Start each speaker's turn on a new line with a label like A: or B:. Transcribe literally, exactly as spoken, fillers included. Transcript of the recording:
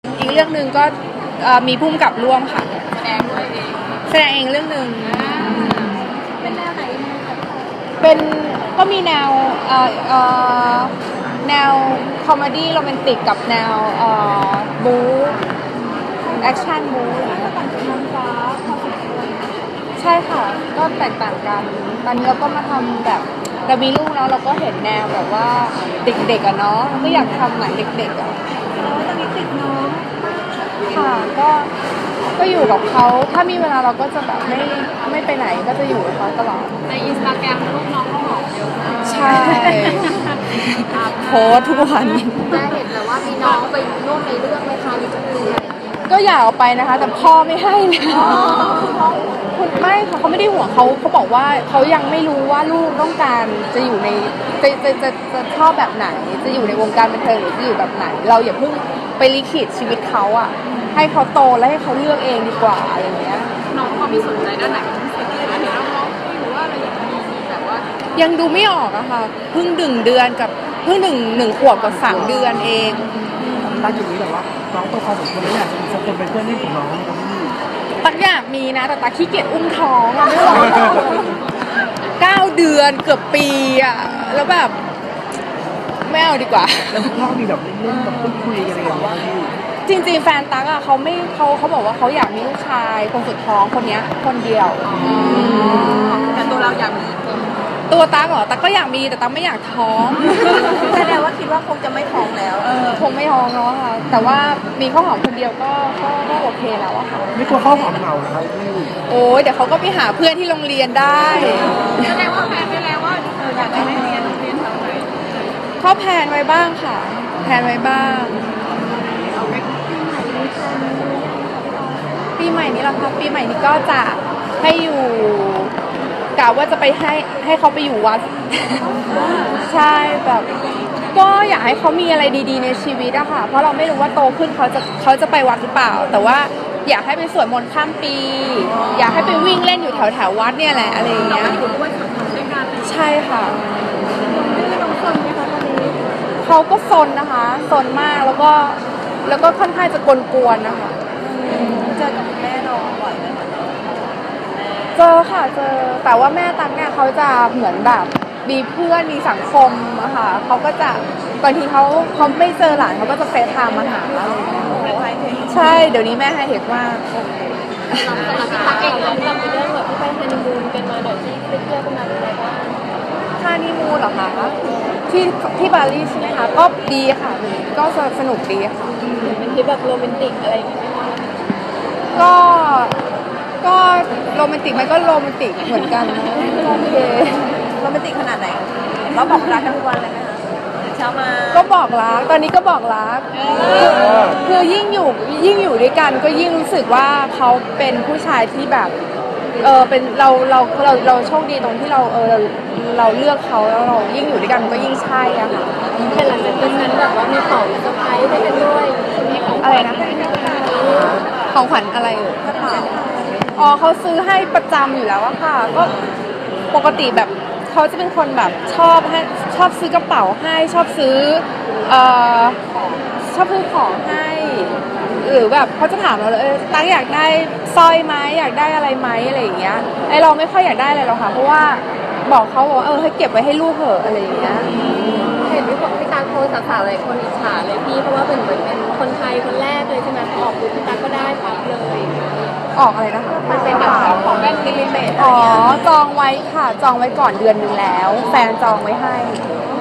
A: อีกเรื่องหนึ่งก็มีพุ่มกับร่วมค่ะ
B: แสดงด้วยเอง
A: แสดงเองเรื่องหนึ่ง
B: เป็นแนวไหน
A: เป็นก็มีแนวเอ่อเอ่อแนวคอมเมดี้โรแมนติกกับแนวเอ่อบู๊แอคชั่นบู๊ใช่ค่ะก็แตกต่างกันตอนนี้เราก็มาทำแบบเรามีลูกแล้วเราก็เห็นแนวแบบว่าเด็กๆอะเนาะก็อยากทำหนังเด็กๆอะ
B: แล้วตอนนี้ติดน้อง
A: ค่ะก็ก็อยู่กับเขาถ้ามีเวลาเราก็จะแบบไม่ไม่ไปไหนก็จะอยู่กับเขาตลอด
B: ในอินสตาแกรมรูปน้องก็หอมเยอะมาก
A: ใช่โพสทุกวัน
B: ได้เห็นแล้วว่ามีน้องไปร่วมในเรื่องไหมคะมีจะมี
A: ก็อยากเอาไปนะคะแต่พ่อไม่ให้เลยคุณไม่ค่ะเขาไม่ได้ห่วงเขาเขาบอกว่าเขายังไม่รู้ว่าลูกต้องการจะอยู่ในจะจะจะจะชอบแบบไหนจะอยู่ในวงการบันเทิงหรือจะอยู่แบบไหนเราอย่าเพิ่งไปลิขิตชีวิตเขาอ่ะให้เขาโตแล้วให้เขาเลือกเองดีกว่าอะไรอย่างเงี้ย
B: น้องเขามีสนใจด้านไหนเป็นพิเศษไหมเห็นน้องๆหรือว่าอะไรอย่างนี้แบบว่า
A: ยังดูไม่ออกอะค่ะเพิ่งดึงเดือนกับเพิ่งหนึ่งหนึ่งขวบกับสามเดือนเอง
C: ตอนจุดนี้แบบว่าน้องโตพอสมควรแล้วอยากจะมีสักคนเป็นเพื่อนเล่นของน้องกับพี่
A: ตักอยากมีนะแต่ตักขี้เกียจอุ้มท้องอะไม่ไหวเก้าเดือนเกือบปีอะแล้วแบบไม่เอาดีกว่า
C: แล้วคุณพ่อมีแบบเล่นๆแบบพูดคุยอะไรอย่างเงี้ย
A: จริงๆแฟนตั๊กอะเขาไม่เขาเขาบอกว่าเขาอยากมีลูกชายคนสุดท้องคนนี้คนเดียว
B: แต่ตัวเราอยากมี
A: ตัวตั๊กเหรอตั๊กก็อยากมีแต่ตั๊กไม่อยากท้อง
B: แสดงว่าคิดว่าคงจะไม่ท้องแล้ว
A: เออคงไม่ท้องแล้วค่ะแต่ว่ามีข้าวหอมคนเดียวก็ก็ก็โอเคแล้วอะค่ะ
C: ไม่กลัวข้าวหอมเหงาเหรอครับพี่
A: โอ้ยเดี๋ยวเขาก็ไปหาเพื่อนที่โรงเรียนได้
B: แสดงว่าแพลนไว้แล้วว่าเอออยากจะให้เรียนโรงเรียนทางไหน
A: เขาแพลนไว้บ้างค่ะแพลนไว้บ้างปีใหม่นี้เราค่ะปีใหม่นี้ก็จะให้อยู่กะว่าจะไปให้ให้เขาไปอยู่วัดใช่แบบก็อยากให้เขามีอะไรดีๆในชีวิตอะค่ะเพราะเราไม่รู้ว่าโตขึ้นเขาจะเขาจะไปวัดหรือเปล่าแต่ว่าอยากให้ไปสวดมนต์ข้ามปีอยากให้ไปวิ่งเล่นอยู่แถวแถววัดเนี่ยแหละอะไรอย่างเงี้ยใช่ค่ะเขาก็ซนนะคะซนมากแล้วก็แล้วก็ค่อนข้างจะกวนๆนะคะ
B: เจอกับแม่น้องบ่อยไหมคะ
A: เจอค่ะเจอแต่ว่าแม่ตั๊กเนี่ยเขาจะเหมือนแบบมีเพื่อนมีสังคมอะค่ะเขาก็จะบางทีเขาเขาไม่เจอหลานเขาก็จะเฟซไทม์มาหาอะไรอย่างเงี้ยใช่เดี๋ยวนี้แม่ให้เห็นว่า
B: สำหรับพี่ตั๊กเองเราเรามีเรื่องแบบที่ไปฮันนีมูนกันมาหน่อยที่ไปเที่ยวกันมาเป็นไงบ้าง
A: ฮันนีมูนเหรอคะที่ที่บาหลีใช่ไหมคะก็ดีค่ะก็สนุกดีค่ะ
B: เป็นทริปแบบโรแมนติกอะไรอย่างเงี้ย
A: ก็ก็โรแมนติกมันก็โรแมนติกเหมือนกันนะโอเค
B: โรแมนติกขนาดไหนเราบอกรักทั้งวันเลยไหมคะเช้ามา
A: ก็บอกรักตอนนี้ก็บอกรักคือยิ่งอยู่ยิ่งอยู่ด้วยกันก็ยิ่งรู้สึกว่าเขาเป็นผู้ชายที่แบบเออเป็นเราเราเราเราโชคดีตรงที่เราเออเราเราเลือกเขาแล้วเรายิ่งอยู่ด้วยกันก็ยิ่งใช่อะค่ะ
B: แต่หลังจากนั้นแบบว่ามีของเซอร์ไพรส์ให้กันด้วยมีของ
A: อะไรนะของขวัญอะไรเอ่ยอ๋อเขาซื้อให้ประจำอยู่แล้วอะค่ะก็ปกติแบบเขาจะเป็นคนแบบชอบให้ชอบซื้อกระเป๋าให้ชอบซื้อเอ่อชอบซื้อของให้หรือแบบเขาจะถามเราเลยเออตั้งอยากได้สร้อยไหมอยากได้อะไรไหมอะไรอย่างเงี้ยไอเราไม่ค่อยอยากได้อะไรหรอกค่ะเพราะว่าบอกเขาบอกว่าเออให้เก็บไว้ให้ลูกเหอะอะไรอย่างเงี้ย
B: เห็นพี่บอกพี่ตาโคสาวๆเลยคนอิจฉาเลยพี่เพราะว่าเป็นเหมือนเป็นคนไทยคนแรกเลยใช่ไหมพอออกปุ๊บพี่ตาก็ได้ปั๊บเลย
A: ออกอะไรนะคะ
B: มันเป็นแบบของแบรนด์ลิมิเต็ด
A: อ๋อจองไว้ค่ะจองไว้ก่อนเดือนนึงแล้วแฟนจองไว้ให้